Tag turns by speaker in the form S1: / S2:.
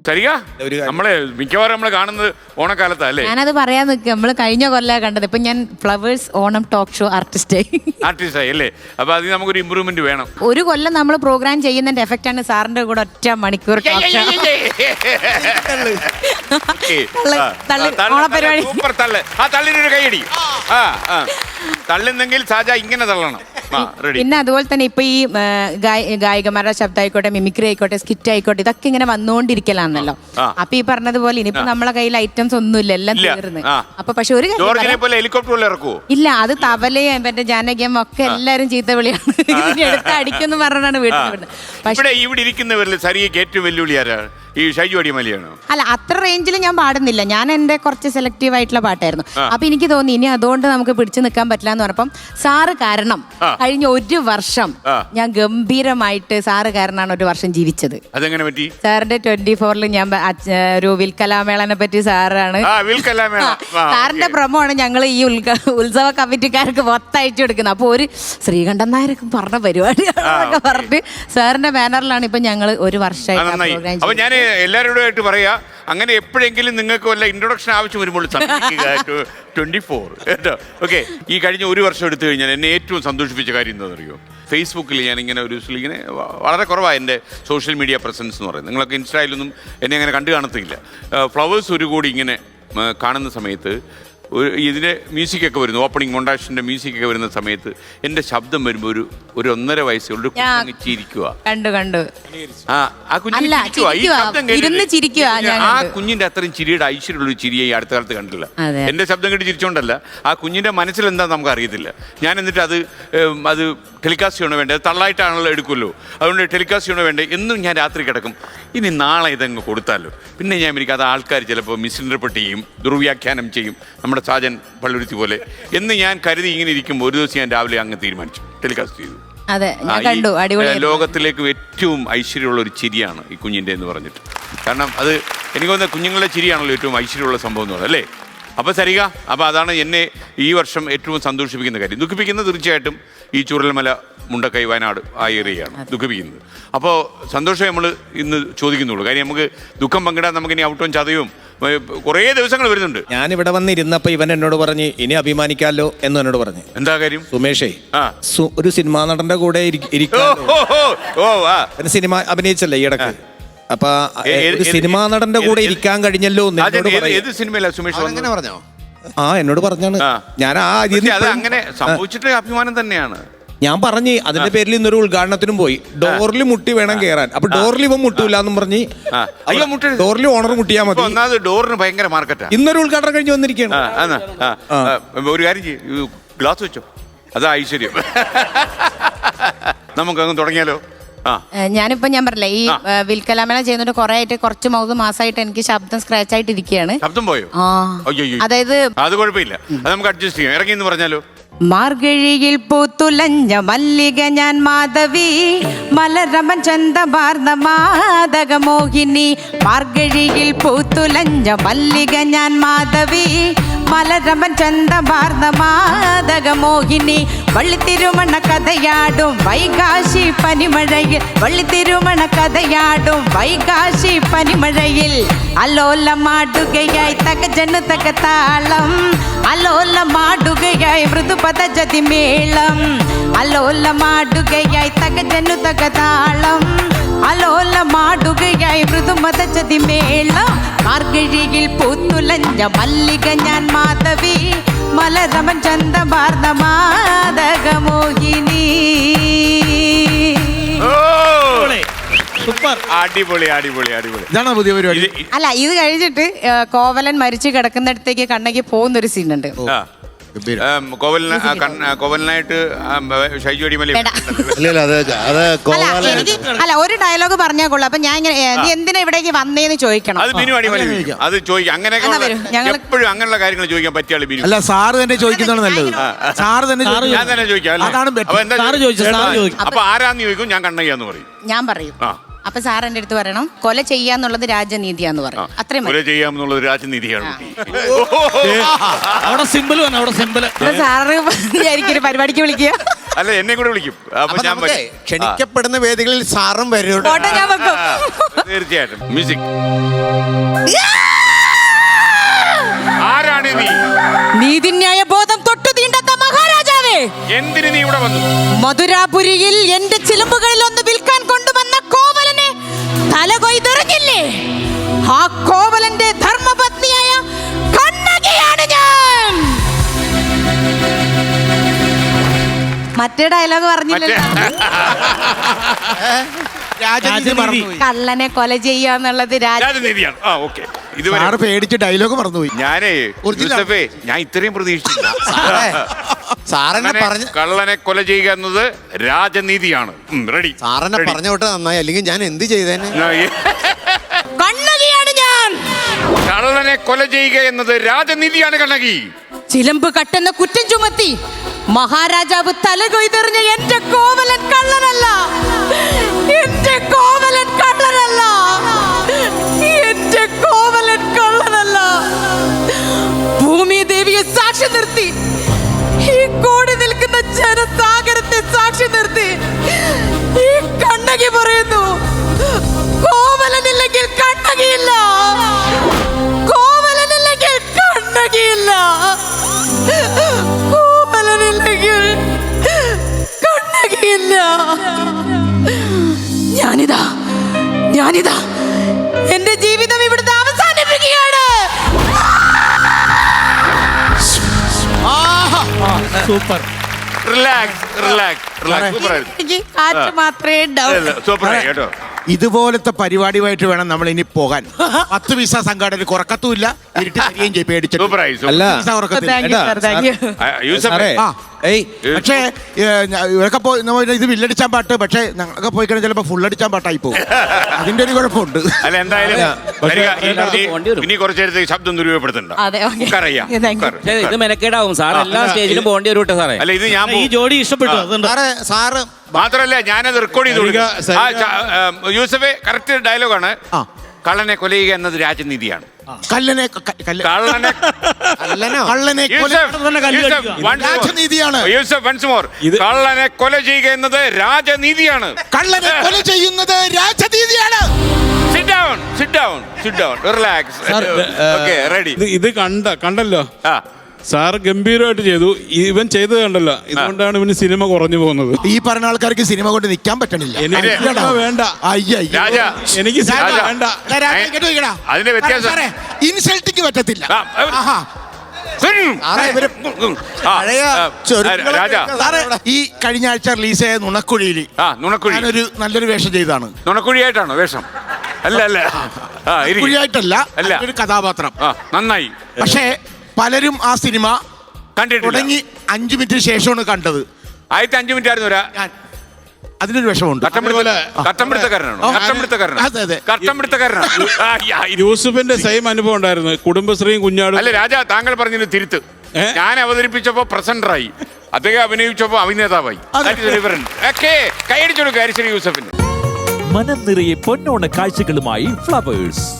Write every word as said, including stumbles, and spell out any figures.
S1: സരിക നമ്മളെ മിക്കവാറും നമ്മളെ കാണുന്നത് ഓണക്കാലത്താ അല്ലേ?
S2: ഞാനത് പറയാൻ നിൽക്കുക. നമ്മള് കഴിഞ്ഞ കൊല്ല കണ്ടത്. ഇപ്പൊ ഞാൻ ഫ്ലവേഴ്സ് ഓണം ടോക്ക് ഷോ ആർട്ടിസ്റ്റായി
S1: ആർട്ടിസ്റ്റായി അല്ലേ? അപ്പൊ അതിന് നമുക്കൊരു ഇമ്പ്രൂവ്മെന്റ് വേണം.
S2: ഒരു കൊല്ലം നമ്മൾ പ്രോഗ്രാം ചെയ്യുന്നതിന്റെ എഫക്റ്റ് ആണ് സാറിന്റെ കൂടെ ഒറ്റ മണിക്കൂർ
S1: സൂപ്പർ തള്ള്. ആ തള്ളിനൊരു കൈയടി. ആ ആ തള്ളുന്നെങ്കിൽ സാജ ഇങ്ങനെ തള്ളണം.
S2: പിന്നെ അതുപോലെ തന്നെ ഇപ്പൊ ഈ ഗായികമാരുടെ ശബ്ദം ആയിക്കോട്ടെ, മിമിക്രി ആയിക്കോട്ടെ, സ്കിറ്റ് ആയിക്കോട്ടെ, ഇതൊക്കെ ഇങ്ങനെ വന്നുകൊണ്ടിരിക്കലാണല്ലോ. അപ്പൊ ഈ പറഞ്ഞതുപോലെ ഇനിയിപ്പോ നമ്മളെ കയ്യിൽ ഐറ്റംസ് ഒന്നുമില്ല, എല്ലാം തീർന്ന്. അപ്പൊ പക്ഷെ ഒരു ഇല്ല, അത് തവലയും മറ്റേ ജാനകിയും ഒക്കെ എല്ലാരും ചീത്ത വിളിയാണ്. എടുത്ത് അടിക്കുന്നു പറഞ്ഞാണ് വീട്ടിൽ വിടുന്നത്.
S1: പക്ഷേ ഇവിടെ ഇരിക്കുന്നവരിൽ സരിക്ക് ഏറ്റവും വെല്ലുവിളി ആരാണ്? ഈ ഷൈജു അടിമാലിയാണോ?
S2: അല്ല, അത്ര റേഞ്ചിൽ ഞാൻ പാടുന്നില്ല. ഞാൻ എന്റെ കുറച്ച് സെലക്റ്റീവ് ആയിട്ടുള്ള പാട്ടായിരുന്നു. അപ്പൊ എനിക്ക് തോന്നി ഇനി അതുകൊണ്ട് നമുക്ക് പിടിച്ചു നിൽക്കാൻ പറ്റില്ല എന്ന് പറഞ്ഞപ്പം സാറ് കാരണം കഴിഞ്ഞ ഒരു വർഷം ഞാൻ ഗംഭീരമായിട്ട് സാറ് കാരണമാണ് ഒരു വർഷം ജീവിച്ചത്.
S1: അതെങ്ങനെ പറ്റി?
S2: സാറിന്റെ ട്വന്റി ഫോറിൽ ഞാൻ ഒരു വിൽക്കലാമേളനെ പറ്റി സാറാണ് സാറിന്റെ പ്രമോ ആണ് ഞങ്ങൾ ഈ ഉത്സവ കമ്മിറ്റിക്കാർക്ക് മൊത്തയച്ചു കൊടുക്കുന്നത്. അപ്പൊ ഒരു ശ്രീകണ്ഠൻ നായരൊക്കെ പറഞ്ഞ പരിപാടിയാണൊക്കെ പറഞ്ഞിട്ട് സാറിന്റെ ബാനറിലാണ് ഇപ്പൊ ഞങ്ങൾ ഒരു വർഷമായിട്ട്.
S1: എല്ലാവരോടുമായിട്ട് പറയാ, അങ്ങനെ എപ്പോഴെങ്കിലും നിങ്ങൾക്ക് വല്ല ഇൻട്രൊഡക്ഷൻ ആവശ്യം വരുമ്പോൾ ട്വന്റി ഫോർ കേട്ടോ. ഓക്കെ, ഈ കഴിഞ്ഞ ഒരു വർഷം എടുത്തു കഴിഞ്ഞാൽ എന്നെ ഏറ്റവും സന്തോഷിപ്പിച്ച കാര്യം എന്താണെന്ന് അറിയോ? ഫേസ്ബുക്കിൽ ഞാനിങ്ങനെ ഒരു ഇങ്ങനെ വളരെ കുറവാണ് എൻ്റെ സോഷ്യൽ മീഡിയ പ്രസൻസ് എന്ന് പറയുന്നത്. നിങ്ങളൊക്കെ ഇൻസ്റ്റയിലൊന്നും എന്നെ അങ്ങനെ കണ്ടു കാണത്തില്ല. ഫ്ലവേഴ്സ് ഒരു കൂടി ഇങ്ങനെ കാണുന്ന സമയത്ത് ഒരു ഇതിൻ്റെ മ്യൂസിക്കൊക്കെ വരുന്നു, ഓപ്പണിംഗ് മൊണ്ടാഷിൻ്റെ മ്യൂസിക്കൊക്കെ വരുന്ന സമയത്ത് എൻ്റെ ശബ്ദം വരുമ്പോൾ ഒരു ഒരു ഒന്നര വയസ്സുള്ള ഒരു കുഞ്ഞ് ചിരിക്കുക
S2: കണ്ടു കണ്ടു
S1: ആ ആ കുഞ്ഞിന്റെ ആ കുഞ്ഞിന്റെ അത്രയും ചിരിയുടെ ഐശ്വര്യമുള്ള ഒരു ചിരിയെ ഈ അടുത്ത കാലത്ത് കണ്ടില്ല. എൻ്റെ ശബ്ദം കേട്ട് ചിരിച്ചോണ്ടല്ല, ആ കുഞ്ഞിന്റെ മനസ്സിൽ എന്താ നമുക്ക് അറിയത്തില്ല. ഞാൻ എന്നിട്ട് അത് അത് ടെലികാസ്റ്റ് ചെയ്യണോ വേണ്ടത്, തള്ളായിട്ടാണല്ലോ എടുക്കുമല്ലോ, അതുകൊണ്ട് ടെലികാസ്റ്റ് ചെയ്യണോ വേണ്ടേ എന്നും ഞാൻ രാത്രി കിടക്കും. ഇനി നാളെ ഇതങ്ങ് കൊടുത്താലോ. പിന്നെ ഞാൻ എനിക്ക് അത് ആൾക്കാർ ചിലപ്പോൾ മിസ്ഇൻറ്റർപ്രറ്റ് ചെയ്യും, ദുർവ്യാഖ്യാനം ചെയ്യും, നമ്മുടെ സാജൻ പള്ളുരുത്തി പോലെ എന്ന് ഞാൻ കരുതി ഇങ്ങനെ ഇരിക്കുമ്പോൾ ഒരു ദിവസം ഞാൻ രാവിലെ അങ്ങ് തീരുമാനിച്ചു, ടെലികാസ്റ്റ് ചെയ്തു. ലോകത്തിലേക്ക് ഏറ്റവും ഐശ്വര്യമുള്ള ഒരു ചിരിയാണ് ഈ കുഞ്ഞിൻ്റെ എന്ന് പറഞ്ഞിട്ട്. കാരണം അത് എനിക്ക് തോന്നുന്നത് കുഞ്ഞുങ്ങളുടെ ചിരിയാണല്ലോ ഏറ്റവും ഐശ്വര്യമുള്ള സംഭവം എന്ന് പറയുന്നത് അല്ലേ? അപ്പോൾ സരിക, അപ്പോൾ അതാണ് എന്നെ ഈ വർഷം ഏറ്റവും സന്തോഷിപ്പിക്കുന്ന കാര്യം. ദുഃഖിപ്പിക്കുന്നത് തീർച്ചയായിട്ടും ഈ ചൂരൽമല, മുണ്ടക്കൈ, വയനാട് ആ ഏരിയയാണ് ദുഃഖിപ്പിക്കുന്നത്. അപ്പോൾ സന്തോഷം നമ്മൾ ഇന്ന് ചോദിക്കുന്നുള്ളൂ. കാര്യം നമുക്ക് ദുഃഖം പങ്കിടാൻ നമുക്കിനി ഔട്ടവും ചതയും കുറേ ദിവസങ്ങൾ വരുന്നുണ്ട്.
S3: ഞാനിവിടെ വന്നിരുന്നപ്പോൾ ഇവൻ എന്നോട് പറഞ്ഞ് ഇനി അഭിമാനിക്കാമല്ലോ എന്ന് എന്നോട് പറഞ്ഞു.
S1: എന്താ കാര്യം?
S3: സുമേഷേ, ഒരു സിനിമാ നടന്റെ കൂടെ സിനിമ അഭിനയിച്ചല്ലേ ഈ ഇടക്ക്. അപ്പൊ ഒരു സിനിമാ നടന്റെ കൂടെ ഇരിക്കാൻ കഴിഞ്ഞല്ലോ. ആ എന്നോട് പറഞ്ഞാണ്. ഞാൻ ആ
S1: അങ്ങനെ സംഭവിച്ചിട്ട് അഭിമാനം തന്നെയാണ്.
S3: ഞാൻ പറഞ്ഞ് അതിന്റെ പേരിൽ ഇന്നൊരു ഉദ്ഘാടനത്തിനും പോയി. ഡോറിൽ മുട്ടി വേണം കയറാൻ. അപ്പൊ ഡോറിൽ ഇവൻ മുട്ടൂല എന്നും പറഞ്ഞ് ഡോറിൽ ഓണർ മുട്ടിയാൽ മതി.
S1: ഡോറിന് ഭയങ്കര മാർക്കറ്റാ.
S3: ഇന്നൊരു ഉദ്ഘാടനം കഴിഞ്ഞ് വന്നിരിക്കുകയാണ്.
S1: ഒരു കാര്യം ചെയ്യും, ഗ്ലാസ് വെച്ചോ, അതാ ഐശ്വര്യം. നമുക്കങ്ങ് തുടങ്ങിയാലോ?
S2: ഞാനിപ്പോ ഞാൻ പറഞ്ഞില്ലേ ഈ വിൽക്കലാമേള ചെയ്യുന്നതിന് കുറെ ആയിട്ട് കുറച്ച് മൂന്ന് മാസമായിട്ട് എനിക്ക് ശബ്ദം സ്ക്രാച്ച് ആയിട്ട് ഇരിക്കുകയാണ്.
S1: ശബ്ദം പോയോ?
S2: അതായത്
S1: അത് കുഴപ്പമില്ല, അത് നമുക്ക് അഡ്ജസ്റ്റ് ചെയ്യാം. ഇറങ്ങി എന്ന് പറഞ്ഞാലോ?
S2: മാർഗഴിയിൽ പൂത്തുലഞ്ഞ മല്ലിക ഞാൻ മാധവി, മലരമൻ ചന്തമാർന്ന മാതക മോഹിനി. മാർഗഴിയിൽ പൂത്തുലഞ്ഞ മല്ലിക ഞാൻ മാധവി, മലരമൻ ചന്തമാർന്ന മാതക മോഹിനി. വള്ളിത്തിരുമണ കഥയാടും വൈകാശി പനിമഴയിൽ, വള്ളിത്തിരുമണ കഥയാടും വൈകാശി പനിമഴയിൽ. അലോലമാടുകയായി തകജനു തകതാളം, അലോലമാടുകയായി മൃദുപദജതി മേളം. അലോലമാടുകയായി തകജനു തകതാളം, അലോലമാടുകയായി മൃദുപദജതി മേളം. മാർഗഴിയിൽ പൂത്തുലഞ്ഞ മല്ലിക ഞാൻ മാധവി, മലരമൻ ചന്തമാർന്ന മാതക മോഹിനി.
S1: സൂപ്പർ, അടിപൊളി അടിപൊളി അടിപൊളി.
S3: ഇതാണ് പുതിയ പരിപാടി.
S2: അല്ല, ഇത് കഴിഞ്ഞിട്ട് കോവലൻ മരിച്ചു കിടക്കുന്നിടത്തേക്ക് കണ്ണകി പോകുന്നൊരു സീനുണ്ട്.
S1: കോവലനായിട്ട് ഷൈജു അടിമലി
S2: അല്ല, ഒരു ഡയലോഗ് പറഞ്ഞാൽ കൊള്ളാം. അപ്പൊ ഞാൻ ഇങ്ങനെ എന്തിനാ ഇവിടേക്ക് വന്നേന്ന് ചോദിക്കണം.
S1: അത് ബിനു അടിമലി അത് ചോദിക്കാം. അങ്ങനെ എപ്പോഴും അങ്ങനെയുള്ള കാര്യങ്ങൾ ചോദിക്കാൻ പറ്റിയാൽ ബിനു.
S3: അല്ല, സാറ് തന്നെ ചോദിക്കുന്നതാണ് നല്ലത്. സാറ് തന്നെ
S1: ഞാൻ തന്നെ ചോദിക്കാം. അപ്പൊ ആരാന്ന് ചോദിക്കും, ഞാൻ കണ്ണയ്യാന്ന് പറയും.
S2: ഞാൻ പറയും. അപ്പൊ സാർ എന്റെ അടുത്ത് പറയണം കൊല ചെയ്യാന്നുള്ളത് രാജനീതിയാന്ന് പറയും. അത്രയും
S1: കൊല ചെയ്യാന്നുള്ളത് രാജനീതിയാണ്.
S3: അവിടെ സിമ്പിൾ അവിടെ സിമ്പിൾ.
S2: സാറ് എനിക്കൊരു പരിപാടിക്ക് വിളിക്കുക.
S1: അല്ല എന്നെ കൂടെ വിളിക്കും അപ്പൊ
S4: അപ്പൊ
S1: ഞാൻ
S4: നമുക്കേ
S1: വരും.
S4: ക്ഷണിക്കപ്പെടുന്ന വേദികളിൽ സാറും വരും
S2: ഫോട്ടോ ഞാൻ വെക്കും.
S1: ആ, തീർച്ചയായിട്ടും മ്യൂസിക്. ആരാണ് നീ?
S2: നീതിന്യായ ബോധം തൊട്ടു തീണ്ടാത്ത മഹാരാജാവേ,
S1: എന്തിന് നീ ഇവിടെ വന്നു?
S2: മധുരാപുരിയിൽ എന്റെ ചിലമ്പുകളിൽ ഒന്ന് വിൽക്കാൻ കൊണ്ടുവന്ന കോവലനെ തല കൊയ്തെറിഞ്ഞില്ലേ? ആ കോവലന്റെ ധർമ്മപത്നിയായ കണ്ണകിയാണ് ഞാൻ. മറ്റേ ഡയലോഗ് പറഞ്ഞില്ലല്ലോ.
S4: രാജനീതി മറന്നുപോയി.
S2: കള്ളനെ കൊല ചെയ്യാന്നുള്ളത് രാജ
S1: രാജനീതിയാണ്. ആ ഓക്കെ. ഇതുവരെ
S4: സാറ് പേടിച്ച് ഡയലോഗ് മറന്നുപോയി.
S1: ഞാനേ
S4: Original.
S1: യൂസഫേ ഞാൻ ഇത്രയും പ്രതീക്ഷിച്ചില്ല.
S4: സാറെന്നെ
S1: കള്ളനെ-
S4: പറഞ്ഞ
S1: കള്ളനെ കൊല ചെയ്യുക എന്നത് രാജനീതിയാണ്. റെഡി.
S4: സാറെന്നെ പറഞ്ഞ വിട്ട് നന്നായി, അല്ലെങ്കിൽ ഞാൻ എന്ത് ചെയ്തേനെ?
S2: കണ്ണകിയാണ് ഞാൻ.
S1: കള്ളനെ കൊല ചെയ്യുക എന്നത് രാജനീതിയാണ് കണ്ണകി.
S2: ചിലമ്പ് കട്ടെന്ന കുറ്റം ചുമത്തി മഹാരാജാവ് തല കൊയ്തെറിഞ്ഞ എന്റെ കോവലൻ കള്ളനല്ല. എന്റെ കോവലൻ കള്ളനല്ല. എന്റെ കോവലൻ കള്ളനല്ല. ഭൂമി ദേവിയെ സാക്ഷി നിർത്തി, ഈ കൂടി നിൽക്കുന്ന ജനസാഗരത്തെ സാക്ഷി നിർത്തി ഈ കണ്ണകി പറയുന്നു, കോവലനില്ലെങ്കിൽ കണ്ണകിയില്ല. കോവലനില്ലെങ്കിൽ കണ്ണകിയില്ല. കോവലനില്ലെങ്കിൽ കണ്ണകിയില്ല. ഞാനിതാ ഞാനിതാ എന്റെ ജീവിതം ഇവിടുത്തെ അവസാനിപ്പിക്കുകയാണ്.
S3: Super.
S1: Relax relax relax. Super ആയിരുന്നു.
S2: എനിക്ക് കാറ്റ് മാത്രമേ ഉണ്ടാവൂ.
S1: സൂപ്പർ ആയി കേട്ടോ.
S5: ഇതുപോലത്തെ പരിപാടിയുമായിട്ട് വേണം നമ്മൾ ഇനി പോകാൻ. പത്ത് പൈസ സംഘാടന കുറക്കത്തുമില്ല, ഇരുട്ടി തരികയും ചെയ്യും പേടിച്ചിട്ട്.
S1: സൂപ്പർ ആയി.
S3: അല്ല
S5: പൈസ കുറക്കത്തില്ല.
S2: Thank you sir, thank you.
S1: യൂസഫേ
S3: സാറേ,
S5: ആ.
S3: ഏയ്
S5: പക്ഷേ ഏ, ഞ- ഇവരൊക്കെ പോയി നമ്മ ഇത് വില്ലടിച്ചാൻ പാട്ട്, പക്ഷേ ഞങ്ങളൊക്കെ പോയി കഴിഞ്ഞാൽ ചിലപ്പോൾ ഫുള്ളടിച്ചാൻ പാട്ടായി പോകും. അതിന്റെ ഒരു കുഴപ്പമുണ്ട്.
S1: അല്ല എന്തായാലും
S3: പക്ഷേ
S1: വരിക.
S6: എല്ലായിടത്തും
S1: ഇനി-
S6: പോകേണ്ടി വരും.
S1: ഇനി കുറച്ചു നേരത്തേക്ക് ശബ്ദം ദുരുപയോഗപ്പെടുത്തണ്ട.
S2: അതെ, ഓക്കേ.
S1: ഉക്കാറയ്യ,
S2: താങ്ക് യു.
S1: ഉക്കാറ്.
S6: പക്ഷേ ഇത് മെനക്കേടാവും സാർ എല്ലാ സ്റ്റേജിലും പോകേണ്ടി വരും കേട്ടോ സാറേ.
S1: അല്ല ഇത് ഞാൻ
S7: ഈ
S1: പോ-
S7: ജോഡി ഇഷ്ടപ്പെട്ടു അതുകൊണ്ട്
S4: സാറ് സാറ്
S1: മാത്രല്ല ഞാനത് റെക്കോർഡ് ചെയ്തു കൊടുക്കും.
S7: സരിക,
S1: ആ,
S7: സരിക.
S1: ച- ആ, യൂസഫേ കറക്റ്റ് ഡയലോഗാണ്.
S5: ആ.
S1: കള്ളനെ കൊല ചെയ്യുക എന്നത് രാജനീതിയാണ്.
S5: കല്ലനെ ക- കല്ല്-
S1: കള്ളനെ
S4: അല്ലനോ
S5: കള്ളനെ കൊല-
S1: യൂസഫ്,
S7: തന്നെ കല്ല്
S1: Yusuf,
S7: കടിക്കുക.
S1: once more.
S5: രാജനീതിയാണ്.
S1: Yusuf once more.
S7: ഇത്
S1: കള്ളനെ കൊല ചെയ്യുക എന്നത് രാജനീതിയാണ്.
S5: കള്ളനെ കൊല ചെയ്യുന്നത് രാജനീതിയാണ്.
S1: Sit down, sit down, sit down. Relax.
S7: Sir,
S1: Okay, ready.
S7: ഇത് ഇത് കണ്ട കണ്ടല്ലോ
S1: ആ,
S7: സാർ ഗംഭീരമായിട്ട് ചെയ്തു. ഇവൻ ചെയ്തത് കണ്ടല്ലോ, ഇതുകൊണ്ടാണ് ഇവന് സിനിമ കുറഞ്ഞു പോകുന്നത്.
S5: ഈ പറഞ്ഞ ആൾക്കാർക്ക് സിനിമ കൊണ്ട് നിൽക്കാൻ പറ്റണില്ല.
S7: എനിക്ക്
S1: അതെ.
S7: സിനിമ വേണ്ട,
S5: അയ്യ, അയ്യോ.
S1: രാജ,
S7: എനിക്ക് സിനിമ
S1: രാജ.
S7: വേണ്ട.
S5: എടാ, രാജ, ഇങ്ങോട്ട് നോക്കിയെടാ.
S1: അതിന്റെ വ്യത്യാസം-
S5: സാറേ, ഇൻസൾട്ടിക്ക് പറ്റത്തില്ല.
S1: ആ, ആ,
S5: ആഹാ.
S4: സാറേ ഇവര്
S1: ആ,
S4: പഴയ
S1: ആ,
S4: ചൊരുക്കുകളൊക്കെ
S1: രാജ,
S5: സാറേ, ഈ കഴിഞ്ഞ ആഴ്ച റിലീസ് ചെയ്ത നുണക്കുഴിയിൽ
S1: ആ, നുണക്കുഴി.
S5: ഞാനൊരു നല്ലൊരു വേഷം ചെയ്താണ്.
S1: നുണക്കുഴിയായിട്ടാണോ വേഷം? അല്ല അല്ല ആ, ഇരി.
S5: കുഴിയായിട്ടല്ല,
S1: അല്ല.
S5: ഒരു കഥാപാത്രം.
S1: ആ, നന്നായി
S5: പക്ഷേ പലരും ആ സിനിമ
S1: കണ്ടിട്ടില്ല.
S5: തുടങ്ങി അഞ്ചു മിനിറ്റിന് ശേഷമാണ് കണ്ടത്.
S1: ആദ്യത്തെ അഞ്ചു മിനിറ്റ് ആയിരുന്നു ഒരാ
S5: ഞാൻ അതിനൊരു വിഷമമുണ്ട്.
S1: കട്ടംപിടുത്തക്കാരനാണോ?
S5: ആ.
S1: കട്ടംപിടുത്തക്കാരനാണോ?
S5: അതെ, അതെ.
S1: കട്ടംപിടുത്തക്കാരനാണോ? ആ, യാ, ഇരി.
S7: യൂസുഫിന്റെ സെയിം അനുഭവം ഉണ്ടായിരുന്നു. കുടുംബശ്രീയും കുഞ്ഞാടും.
S1: അല്ല രാജ, താങ്കൾ പറഞ്ഞതിന് തിരുത്ത്.
S7: ഏ?
S1: ഞാൻ അവതരിപ്പിച്ചപ്പോ പ്രസന്ററായി, അദ്ദേഹം അഭിനയിച്ചപ്പോ അഭിനേതാവായി. കൈയടിച്ചോളൂ കാരിശ്ശേരി യൂസഫിന്.
S8: മനം നിറയെ പൊന്നോണ കാഴ്ചകളുമായി ഫ്ലവേഴ്സ്.